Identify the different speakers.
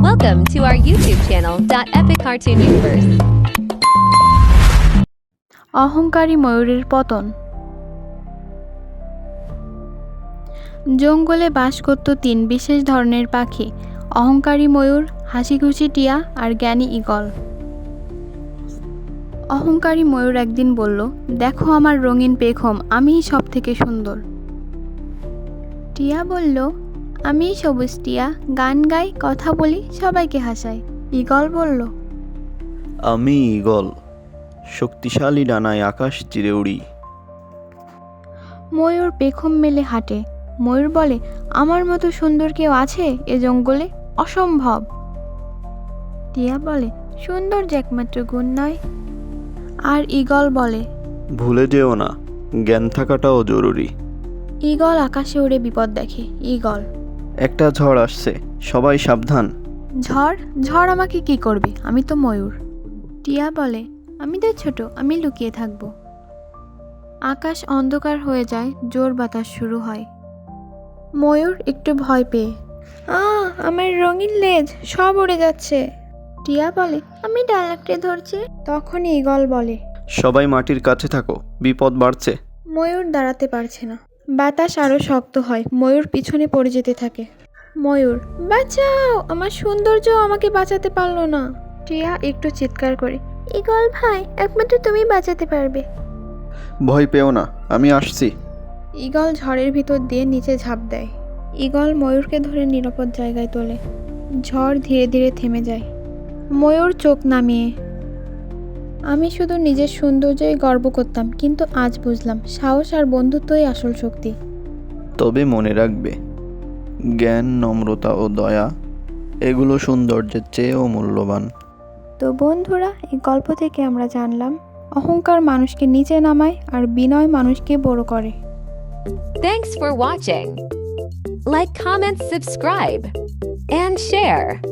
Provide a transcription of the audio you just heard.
Speaker 1: Welcome to our YouTube channel, Epic Cartoon Universe.
Speaker 2: অহংকারী ময়ূরের পতন। জঙ্গলে বাস করত তিন বিশেষ ধরনের পাখি, অহংকারী ময়ূর, হাসিখুশি টিয়া আর জ্ঞানী ঈগল। অহংকারী ময়ূর একদিন বলল, দেখো আমার রঙিন পেখম, আমিই সব থেকে সুন্দর। টিয়া বলল, আমিই সবুজ টিয়া, গান গাই, কথা বলি, সবাইকে হাসাই। ঈগল বলল,
Speaker 3: আমি ঈগল, শক্তিশালী ডানায় আকাশ চিরে উড়ি।
Speaker 2: ময়ূর পেখম মেলে হাঁটে। ময়ূর বলে, আমার মতো সুন্দর কেউ আছে এ জঙ্গলে? অসম্ভব। টিয়া বলে, সুন্দর যে একমাত্র গুণ নয়। আর ঈগল বলে,
Speaker 3: ভুলে যেও না, জ্ঞান থাকাটাও জরুরি।
Speaker 2: ঈগল আকাশে উড়ে বিপদ দেখে। ঈগল,
Speaker 3: একটা ঝড় আসছে, সবাই সাবধান।
Speaker 2: ঝড়? ঝড় আমাকে কি করবে? আমি তো ময়ূর। টিয়া বলে, আমি তো ছোট, আমি লুকিয়ে থাকব। আকাশ অন্ধকার হয়ে যায়, জোর বাতাস শুরু হয়। ময়ূর একটু ভয় পেয়ে, আমার রঙিন লেজ সব উড়ে যাচ্ছে। টিয়া বলে, আমি ডাল আঁকড়ে ধরছি। তখন ঈগল বলে,
Speaker 3: সবাই মাটির কাছে থাকো, বিপদ বাড়ছে।
Speaker 2: ময়ূর দাঁড়াতে পারছে না। বাতাস আরো শক্ত হয়, ময়ূর পিছনে পড়ে যেতে থাকে। ময়ূর, বাঁচাও, আমার সৌন্দর্য আমাকে বাঁচাতে পারলো না। টিয়া একটু চিৎকার করে, ঈগল ভাই, একমাত্র তুমি বাঁচাতে পারবে।
Speaker 3: ভয় পেও না, আমি আসছি।
Speaker 2: ঈগল ঝড়ের ভিতর দিয়ে নিচে ঝাঁপ দেয়। ঈগল ময়ূরকে ধরে নিরাপদ জায়গায় তোলে। ঝড় ধীরে ধীরে থেমে যায়। ময়ূর চোখ নামিয়ে, আমি শুধু নিজের সৌন্দর্যই গর্ব করতাম, কিন্তু আজ বুঝলাম সাহস আর বন্ধুত্বই আসল শক্তি।
Speaker 3: তবে মনে রাখবে, জ্ঞান, নম্রতা ও দয়া এগুলো সৌন্দর্যের চেয়েও মূল্যবান।
Speaker 2: তো বন্ধুরা, এই গল্প থেকে আমরা জানলাম, অহংকার মানুষকে নিচে নামায় আর বিনয় মানুষকে বড় করে।
Speaker 1: Thanks for watching. Like, comment, subscribe, and share.